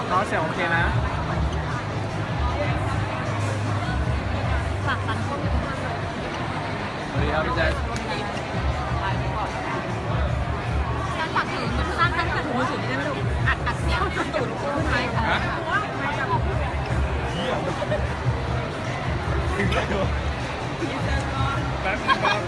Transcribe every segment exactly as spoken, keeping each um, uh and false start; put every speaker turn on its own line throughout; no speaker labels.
น้องเสียงโอเคนะ
ฝากฟันคม
สวัสดีครับพี่แจ๊ค
การฝากถึงสร้างการฝากถึงมือถือได้ไหมลูกอัดอัดเสียงอัดตูดพูดไหมคะ
แป๊บนึงครับ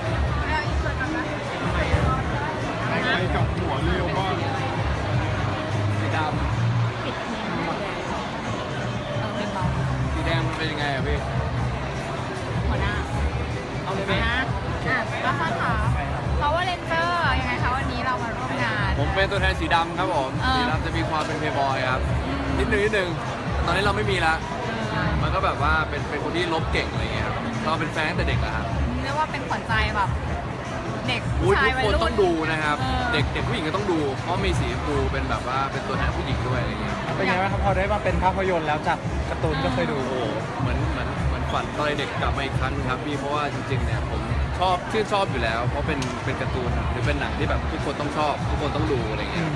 ไปกับหัวเร็วมากสีดำ
ปิดเพลงเออเป็นเบา
สีแดงมันเป็นยังไงอะพี่
หัวหน้า
เอาเลยไหม
นะอ่ะก็ฟังค่ะเพราะว่าเลนเจอร์ยังไงคะวันนี้เรามาร่วมงาน
ผมเป็นตัวแทนสีดำครับผม
เออ
สีดำจะมีความเป็นเพย์บอยครับนิดนึงนิดนึงตอนนี้เราไม่มีละมันก็แบบว่าเป็นเป็นคนที่ลบเก่งอะไรเงี้ยครับเราเป็นแฟนตั้งแต่เด็กอะครับ
เรียกว่าเป็นขวัญใจแบบเด็ก
อุ๊
ผู้
ย
ชาย
ทุก
วัย
คน
รุ่น
ต้องดูนะครับ
ออ
เด็กเด็กผู้หญิงก็ต้องดู เพราะมีสีชมพูเป็นแบบว่าเป็นตัวแทนผู้หญิงด้วยอะไรเงี้ย
เป็นไงบ้างครับพอได้มาเป็นภาพยนตร์แล้วจากการ์ตูนก็เคยดู
โอ้โหเหมือนเหมือนเหมือนฝันตอนเด็กกลับมาอีกครั้งครับพี่เพราะว่าจริงๆเนี่ยผมชอบชื่นชอบอยู่แล้ว เพราะเป็นเป็นการ์ตูนหรือเป็นหนังที่แบบทุกคนต้องชอบ ทุกคนต้องดูอะไรเงี้ย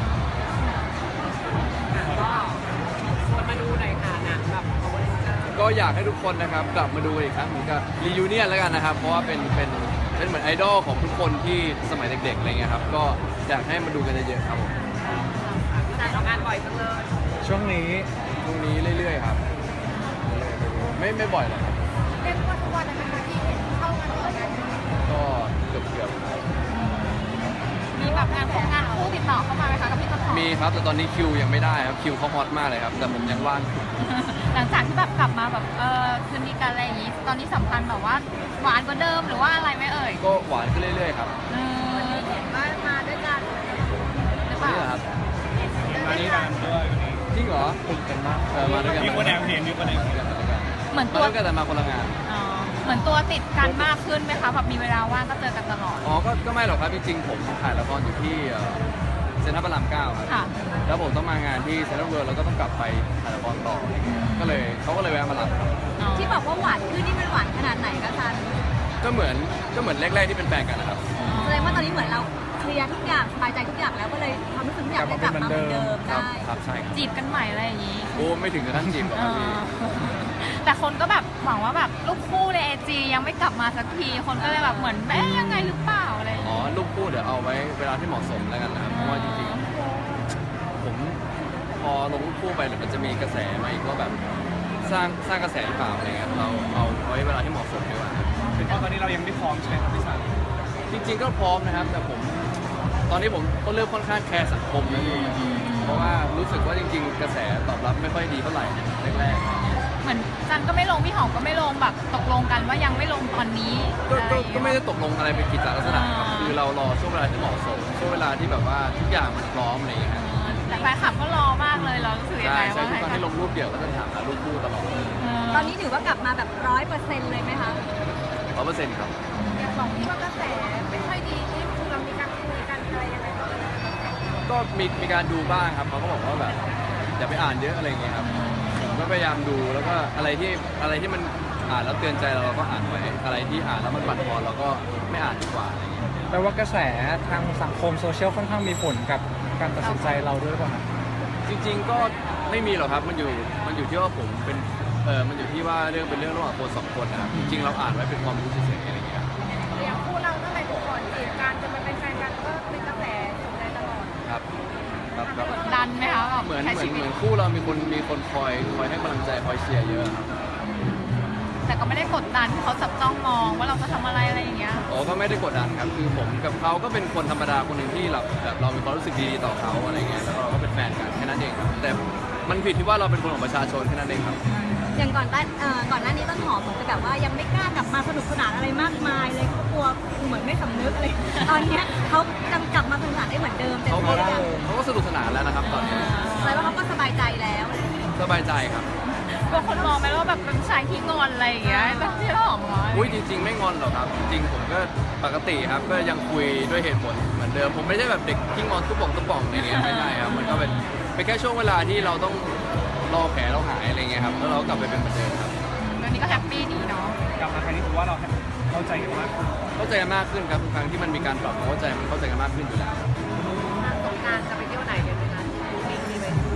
ก็มาดูหน่อยค่ะหนังแบบ
ก็อยากให้ทุกคนนะครับกลับมาดูอีกครั้งเหมือนกับรียูเนียนแล้วกันนะครับ เพราะว่าเป็นเป็นเป็นเหมือนไอดอลของทุกคนที่สมัยเด็กๆอะไรเงี้ยครับก็อยากให้มาดูกันเยอะๆครับผม
จ่ายงานบ่อยจังเลย
ช่วงนี้
ตรงนี้เรื่อยๆครับไม่ไม่บ่อยหรอกครับ
เรียกว่าทุกวันนะคะที่เห็นเข้างานแต่งงาน
ก็เกือบเกือบๆครับ
มีแบบงานของงานคู่ติดต่อเข้ามาไหมคะกับพี่ต้นหอม
มีครับแต่ตอนนี้คิวยังไม่ได้ครับคิวเขาฮอตมากเลยครับแต่ผมยังว่างอยู่
หลังจากที่แบบกลับมาแบบเออคืนดีกันอะไรอย่างงี้ ตอนนี้สัมพันธ์แบบว่าหวานกว่าเดิมหรือว่าอะไรไหมเอ่ย
ก็หวานขึ้นเรื่อยๆครับ
เออเห็นว่ามาด้วยกันหรือเป
นี่
ล่า
เหรอครับ
มานี่กันด้วยวันนี้
จริงเหรอ
ตื่นกันมาก
เออมาด้วยกัน
มีคนแอบเห็นมีคนแอบเห็น
เหมือน
มา
ตัว
ด้วยกันแต่มาคนละงาน
อ๋อเหมือนตัวติดกันมากขึ้นไหมคะแบบมีเวลาว่างก็เจอกันตลอด
อ๋อก็ก็ไม่หรอกครับจริงๆผมถ่ายละครอยู่ที่เอ่อเซ็นทรัลพระรามเก้าครับ
ค่ะ
แล้วผมต้องมางานที่เซ็นทรัลเวิลด์แล้วก็ต้องกลับไปถ่ายละครต่ออะไรเงี้ยก็เลยเขาก็เลยแวะมารับครับ
ที่บอกว่าหวานขึ้นนี่มันหวานขนาดไหนคะซัน
ก็เหมือนก็เหมือนแรกๆที่เป็นแฟนกันนะครับ
แสดงว่าตอนนี้เหมือนเราเคลียร์ทุกอย่างสบายใจทุกอย่างแล้วก็เลยความรู้สึกทุกอย่างได้กลับมาเหมือนเดิม
ครับ
ได้
ครับใช่ครับ
จีบกันใหม่อะไรอย่างงี้
โอ้ไม่ถึงกับขั้นจีบหรอก
เอ
ครับพี่
อแต่คนก็แบบหวังว่าแบบลูกคู่ในไอจียังไม่กลับมาสักที คนก็เลยแบบเหมือนเอ๊ะยังไงหรือเปล่าอะไรอย่าง
อ๋อ
งี้
รูปคู่เดี๋ยวเอาไว้เวลาที่เหมาะสมแล้วกันนะครับเพราะว่าจริงๆผมพอลงรูปคู่ไปเดี๋ยวมันจะมีกระแสมาอีกว่าแบบสร้างสร้างกระแสหรือเปล่าอะไรเงี้ยเราเอาเอาไว้เวลาที่เหมาะสมดีกว่าครับ
เพราะตอนนี้เรายังไม่พร้อมใช่ไหมครับพี่สัน
จริงๆก็พร้อมนะครับ แต่ผมตอนนี้ผมก็เริ่มค่อนข้างแคร์สังคมนะพี่เพราะว่ารู้สึกว่าจริงๆ กระแสตอบรับไม่ค่อยดีเท่าไหร่แรก
เหมือนจันก็ไม่ลงพี่หอมก็ไม่ลงแบบตกลงกันว่ายังไม่ลงตอนนี้
ๆก็
อะไร
ก็
อย่างเงี้ย
ก็ไม่ได้ตกลงอะไรเป็นกิจจลักษณะครับ
อ่า
คือเรารอช่วงเวลาที่เหมาะสมช่วงเวลาที่แบบว่าทุกอย่างมันพร้อมอะไรอย่างเงี้ยครับ
แต่แฟนคลับก็รอมากเลยเรารู้สึกยัง
ใช่
ไง
ใช่
ว่า
ทุกครั้ง
ให้
ที่ลงรูปเดี่ยวก็จะถามหารูปคู่ตลอด
ตอนนี้ถือว่ากลับมาแบบร้อยเปอร์เซ็นต์เลยไหมคะ
ร้อยเปอร์เซ็นต์ครับ
อย่างสองที่ว่ากระแสไม่ค่อยดีนี่คือเรามีการคุยกันอะไรยังไงบ้าง
ก็มีมีการดูบ้างครับเขาก็บอกว่าแบบอย่าไปอ่านเยอะอะไรอย่างเงี้ยครับผมก็พยายามดูแล้วก็อะไรที่อะไรที่มันอ่านแล้วเตือนใจเราเราก็อ่านไว้อะไรที่อ่านแล้วมันบั่นทอนเราก็ไม่อ่านดีกว่าอะไรอย่างเงี้ย
แปลว่ากระแสทางสังคมโซเชียลค่อนข้างมีผลกับการตัดสินใจเราด้วยหรือเปล่าครับ
จริงๆก็ไม่มีหรอกครับมันอยู่มันอยู่ที่ว่าผมเป็นเออมันอยู่ที่ว่าเรื่องเป็นเรื่องระหว่างคนสองคนนะครับจริงๆเราอ่านไว้เป็นความรู้เฉยๆอะไรอย่างเงี้ยครับ
อย่างคู่เราตั้งแต่ก่อนจีบกันจนมาเป็นแฟนกันก็เป็นกระแสสนใจตลอด
ครับครับครับ
กดดันไหมคะแบบ
เหมือน
ใช้
เหมือน
ชีวิ
เห
ต
มือนคู่เรามีคนมีคนคอยคอยให้กำลังใจคอยเชียร์เยอะครับ
แต่ก็ไม่ได้กดดันที่เขาจับจ้องมองว่าเราจะทำอะไรอะไรอย่างเงี้ย
โอ้ก็ไม่ได้กดดันครับคือผมกับเขาก็เป็นคนธรรมดาคนหนึ่งที่แบบแบบเรามีความรู้สึกดีต่อเขาอะไรเงี้ยแล้วก็เราก็เป็นแฟนกันแค่นั้นเองครับแต่มันผิดที่ว่าเราเป็นคนของประชาชนแค่นั้นเองครับ
อย่างก่อนต้นเอ่อก่อนหน้านี้ต้นหอมเหมือนกับแบบว่ายังไม่กล้ากลับมาสนุกสนานอะไรมากมายเลยเขากลัวเหมือนไม่สำนึกอะไร ตอนเนี้ยเขาจำกลับมาสนุกสนานได้เหมือนเดิมเต็ม
เขาก็
ที่แล้ว
เขาก็สนุกสนานแล้วนะครับตอนนี้
แสดงว่าเขาก็สบายใจแล้ว
สบายใจครับ
กลัวคนมองไหมว่าแบบเป็นผู้ชายขี้งอนอะไรอย่างเงี้ยแบบที่เราออกมา
อุ้ยจริง ๆ ไม่งอนหรอกครับ จริงๆผมก็ปกติครับก็ยังคุยด้วยเหตุผลเหมือนเดิมผมไม่ใช่แบบเด็กที่งอนตุ๊บป่องตุ๊บป่องอะไรเงี้ยไม่ใช่ครับมันก็เป็นเป็นแค่ช่วงเวลาที่เราต้องรอแผลเราหายอะไรเงี้ยครับแล้วเราก็กลับไปเป็นเหมือนเดิมครับ
ตอนนี้ก็แฮปปี้ดีเนาะ
กลับมาครั้งนี้ถือว่าเราเข้าใจกันมากขึ้น
เข้าใจกันมากขึ้นครับทุกครั้งที่มันมีการปรับความเข้าใจมันเข้าใจกันมากขึ้นอยู่แล้ว
สงการจะไปเที่ยวไหนกันไหมคะมีมีไหม
สงก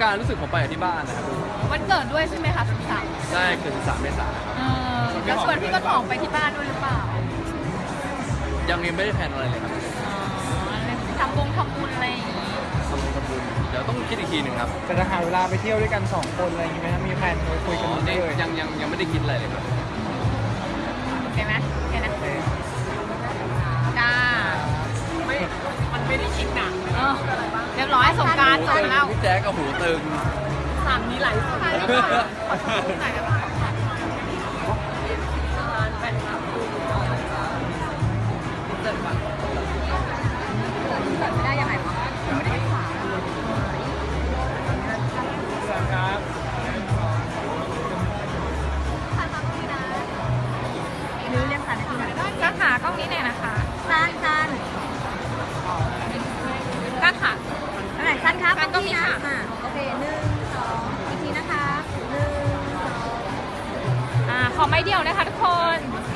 กรานต์รู้สึกผมไปกับที่บ้านนะครับ
วันเกิดด้วยใช่ไหมคะสิบสาม
ใช่คือสามเมษายนครับ
เออแล้วชวนพี่ต้นหอมไปที่บ้านด้วยหรือเปล่า
ยังยังไม่ได้แพลนอะไรเลยครับ
อ๋อทำบงทำบุญอะไรอย่างงี้
ทำบุญทำบุญเดี๋ยวต้องคิดอีกทีหนึ่งครับ
แต่จะหาเวลาไปเที่ยวด้วยกันสองคนอะไรอย่างงี้ไหมครับมีแพลนคุยกัน
อ๋อ
เล
นี่
ย
ยังยังยังไม่ได้คิดอะไรเลยครับ
โอเคไหมโอเคนะ
โอเค
จ้าไม่มันไม่ได้คิดหนักเรียบร้อยสงกรารจบแล้ว
พี่แจ๊กกับหูตึง
สามนี้ไหลสุดท้ายแล้วก็ไหนกันบ้างเกิดไม่ได้ยังไงวะไม่ได้ฝา
ครับ
นิ้วเรียกสันนาทีนะ
ก้านขากล้องนี้หน่อยนะคะ
สั้นสั้น
ก้านขา
เท่าไหร่สั้นครับ
สั้นก็มีค่ะ
อ่ะโอเคหนึ่งสองอีกทีนะคะหนึ่งสอง
อ่าขอไม้เดียวนะคะทุกคน
ส